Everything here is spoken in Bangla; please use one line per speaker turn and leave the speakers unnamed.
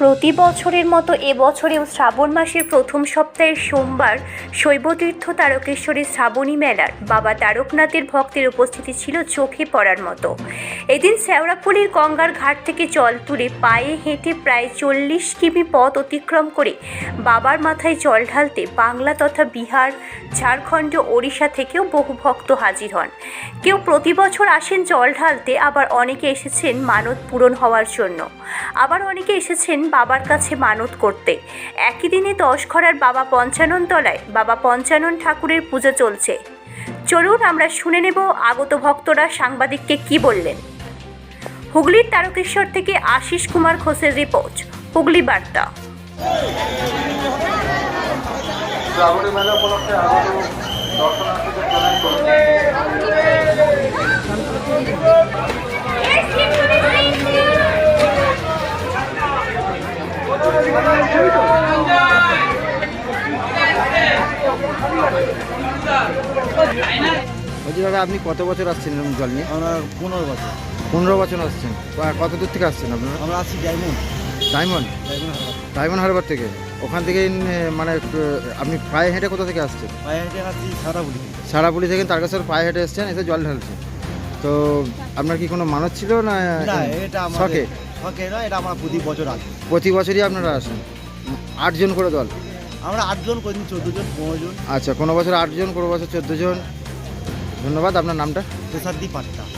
প্রতি বছরের মতো এবছরেও শ্রাবণ মাসের প্রথম সপ্তাহের সোমবার শৈবতীর্থ তারকেশ্বরী শ্রাবণী মেলার বাবা তারকনাথের ভক্তের উপস্থিতি ছিল চোখে পড়ার মতো। এদিন শেওড়াফুলির গঙ্গার ঘাট থেকে জল তুলে পায়ে হেঁটে প্রায় 40 কিমি পথ অতিক্রম করে বাবার মাথায় জল ঢালতে বাংলা তথা বিহার, ঝাড়খণ্ড, ওড়িশা থেকেও বহু ভক্ত হাজির হন। কেউ প্রতি বছর আসেন জল ঢালতে, আবার অনেকে এসেছেন মানত পূরণ হওয়ার জন্য, আবার অনেকে এসেছেন বাবার কাছে মানত করতে। একই দিনে 10 ঘরার বাবা পঞ্চানন তলায় বাবা পঞ্চানন ঠাকুরের পূজা চলছে। চলুন আমরা শুনে নেব আগত ভক্তরা সাংবাদিককে কি বললেন। হুগলির তারকেশ্বর থেকে আশিস কুমার ঘোষের রিপোর্ট, হুগলি বার্তা।
শ্রাবণী মেলা উপলক্ষে আগত দর্শনার্থীদের জানাই
বলছি দাদা, আপনি কত বছর আসছেন এরকম জল নিয়ে?
আমরা 15 বছর।
15 বছর আসছেন। কত দূর থেকে আসছেন আপনারা?
আমরা আছি ডায়মন্ড
ডায়মন্ড
হারবার।
ডায়মন্ড হারবার থেকে। ওখান থেকে মানে আপনি পায়ে হেঁটে কোথা থেকে আসছেন?
পায়ে হেঁটে আছি শেওড়াফুলি।
শেওড়াফুলি থেকে তারকেশ্বর পায়ে হেঁটে এসছেন, এসে জল ঢালছেন। তো আপনার কি কোনো মানত ছিল না?
না, এটা আমাদের
শখে?
শখে নয়, এটা আমরা প্রতি বছর আসি।
প্রতি বছরই আপনারা আসেন? 8 জন করে দল?
আমরা 8 জন, কোনদিন 14 জন, 15 জন।
আচ্ছা, কোনো বছর 8 জন, কোনো বছর 14 জন। ধন্যবাদ। আপনার নামটা?
তুষারদি পাট্টা।